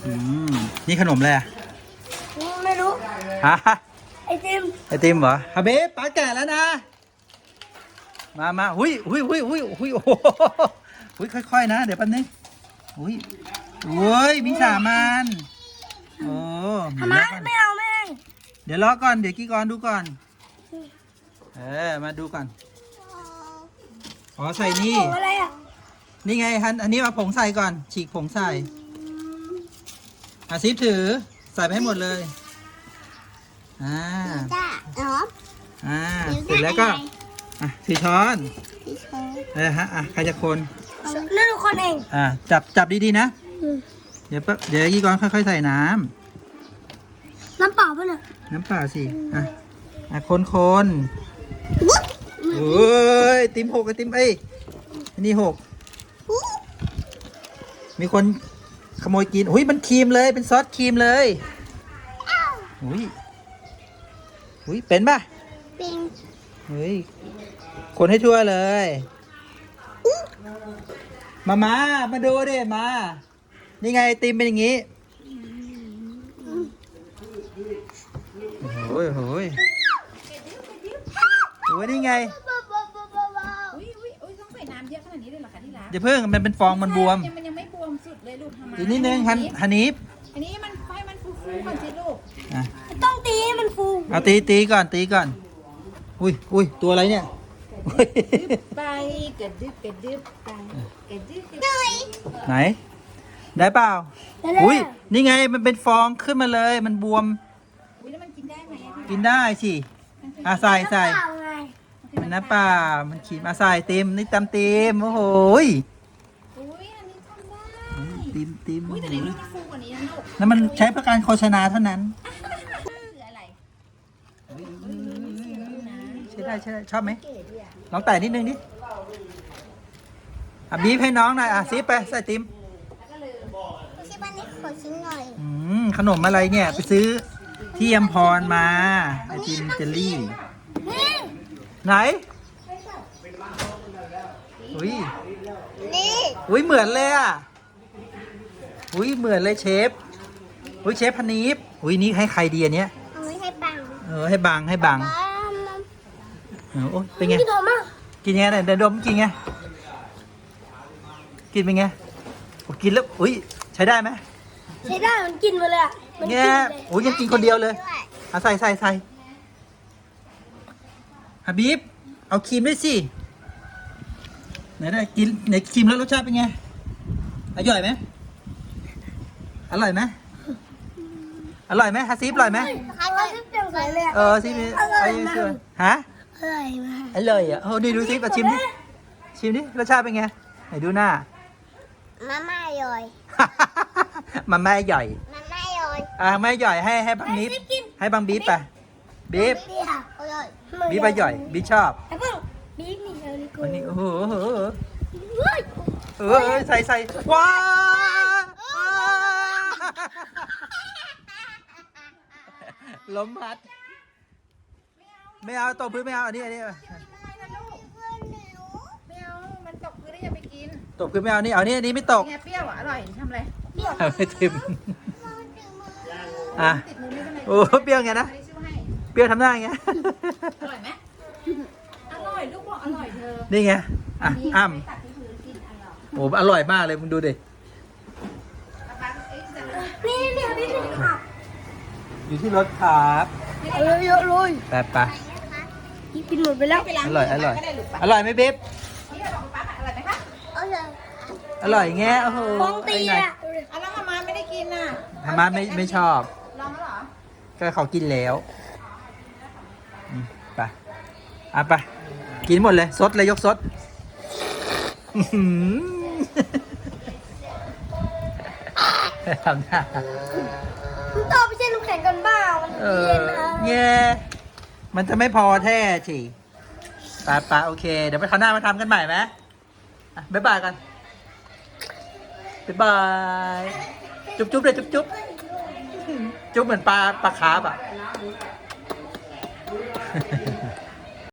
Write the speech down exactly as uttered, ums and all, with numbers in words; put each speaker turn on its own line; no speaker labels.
อืมนี่ขนมอะไรอ่ะ
ไม่รู้
ฮะ
ไอติม
ไอติมเหรอฮะเบ๊ป้าแก่แล้วนะมามาหุยหุยหุยหุยหุยโอ้โหหุยค่อยๆนะเดี๋ยวแป๊บนึงหุยโอ้ยมีสามันโอ้
ทำไมไม่เอาแม่ง
เดี๋ยวรอก่อนเดี๋ยวกี้ก่อนดูก่อนเออมาดูก่อนอ๋อใส่นี่
ของอะไรอ่ะ
นี่ไงฮันอันนี้มาผงใส่ก่อน ฉีกผงใส่อาซิฟถือใส่ไปให้หมดเลยอ่า
จ้าอ๋อ
อ่าเสร็จแล้วก็อ่ะสี่ช้อนเออฮะอ่ะใครจะคน
นั่นทุกคนเอง
อ่าจับจับดีๆนะเดี๋ยวแป๊บเดี๋ยวกี้ก่อนค่อยๆใส่น้ำ
น้ำเปล่าป่ะเนี่ย
น้ำเปล่าสิอ่ะอ่ะคนคนโอ้ยติมหกไอติมเอ้ยอันนี่หกมีคนขโมยกินอุ้ยมันครีมเลยเป็นซอสครีมเลยอุ้ยอุ้ยเป็นป่ะ
เป็น
เฮ้ยคนให้ทั่วเลยมามามาดูดิมานี่ไงไอติมเป็นอย่างงี้โอ้ยโอ้ยโอ้ยนี่ไง
อุ้ยอุ้ยอุ้ยต้องใส่น้ำเยอะขนาดนี้เลยเหรอคะที่รัก
อย่าเพิ่งมันเป็นฟองมันบวม
ยังมันยังไม่บวมสุดเลยลูกทำไม
อีกนิดนึงฮันฮันนีฟ
อันนี้มันไฟมันฟูๆก่อนสิลูก
อ่ะ
ต้องตีให้มันฟู
เอาตีตีก่อนตีก่อนอุ้ยอุ้ยตัวอะไรเนี่ยอุ๊ย
ไปกระดึบกระดึบไปกระดึบกระดึบ
ไหน ได้เปล่า
แล้ว
อุ้ยนี่ไงมันเป็นฟองขึ้นมาเลย มันบวม
อุ้ยแล้วมันกินได้ไหมอะ
กินได้สิอ่ะใส่ใส่
น้ำเปล่าไง
มันน้ำเปล่ามันขีดมาใส่เต็มนี่ตำเต็มโอ้โหย
อุ้ยอันนี้ทำได้
ติมติม
อุ้ยแต่ในรูปมันฟูกว่านี้นะลูก
นั่นมันใช้เพื่อการโฆษณาเท่านั้น
คืออะไร
ใช่ได้ใช่ได้ชอบไหมลองแต่นิดนึงดิอ่ะบีบให้น้องหน่อยอ่ะซีไปใส่ติม
ไม่ใช่บ้านนี้ขอชิ้นหน่อย
อืมขนมอะไรเนี่ยไปซื้อที่ยมพรมาไอติมเจลลี่
นี่
ไหนอุ้ย
นี่
อุ้ยเหมือนเลยอ่ะอุ้ยเหมือนเลยเชฟอุ้ยเชฟพนีฟอุ้ยนี่ให้ใครดีอันเนี้ย
เอาไว้ให้ปัง
เออให้บังให้บัง
ป้า
เออโอ้ยเป็นไง
พี่โดมอ่ะ
กินไงเนี่ยเดี๋ยวดมกินไงกินเป็นไงโอ้กินแล้วอุ้ยใช้ได้ไหม
ใช้ได้มันกินมาเลยอ่ะมันกิน
เนี่ย
เลย
โอ้ยยังกินคนเดียวเลยเอาใส่ใส่ใส่ฮับบีบเอาครีมด้วยสิไหนได้กินไหนครีมแล้วรสชาติเป็นไงอร่อยไหมอร่อยไหมอร่อยไหมฮัสซีฟอร่อยไหม
ใครก็ชิมเต็มใส่เลยอ่ะ
เออซีฟไอ้เชื่อฮะ
อร่อยมาก
อร่อยอ่ะโอ้นี่ดูซิมาชิมดิชิมดิรสชาติเป็นไงไหนดูหน้า
มาม่าย่อย
มันแม่ใหญ่
มาม่าย่อย
อ่าแม่ใหญ่ให้ให้บังนิฟให้บังบีบไปบีบ
บีบค่ะอร่อย
บีบไปใหญ่บีบชอบ
ไอ้เพิ่งบีบมีเอลิโก้
วันนี้โอ้โหโอ้โห
เฮ้ย
เออเออใส่ใส่ว้าวล้มพัดไม่เอาตกพื้นไม่เอาอันนี้อันนี้
ไม่นะลูกไม่เอามันตกพื้นได้ยังไปกิน
ตกพื้นไม่เอานี่เอานี่อันนี้ไม่ตก
เนี่ยเปรี้ยวอ่ะอร่อยทำอะไร
เอาไม่ทิมอ่ะ
ติดมือไม่เป็นไร
โอ้เปรี้ยวไงนะ
ไม่ได้ช่วยให้
เปรี้ยวทำหน้าไง
อร่อยไหมอร่อยลูกบอกอร่อยเธอ
นี่ไงอ่ะอ้ำ
ไม่ตัดที่พื้นกินอร่อย
โอ้อร่อยมากเลยมึงดูดิ
ป๊าป๊าเอ้ยจะ
นี่นี่นี่นี่ค่ะ
อยู่ที่รถครับ
เยอะเยอะเลย
แป๊บปะ
กินหมดไปแล้ว
ไปล้าง
อร่อยอร่อย
ก็ได้ลูกปะ
อร่อยไหมเบ๊บ
นี่เราบอกป๊าป๊าอร่อยไหมคะ
เอาเลย
อร่อยแง่โอ้โห
ฟองตี
ไอ้ไหน
อ่ะ
อ่ะแล้วมาม่าไม่ได้กินน่ะ
ธรรมะไม่ไม่ชอบ
ลองแล้วเหรอ
ก็เขากินแล้วอืมไปอ่ะไปกินหมดเลยซดเลยยกซดอื้อหือทำหน้า
คุณต่อไปเช่นน้ำแข็งกันบ้ามัน
เอ
เย็
อน
นะ
แง่มันจะไม่พอแท้ฉีไปไปโอเค เดี๋ยวไปคราวหน้ามาทำกันใหม่ไหมอ่ะบ๊ายบายกันบ๊ายบาย จุ๊บจุ๊บเลยจุ๊บจุ๊บจุ๊บเหมือนปลาปลาคาร์ฟอ่ะ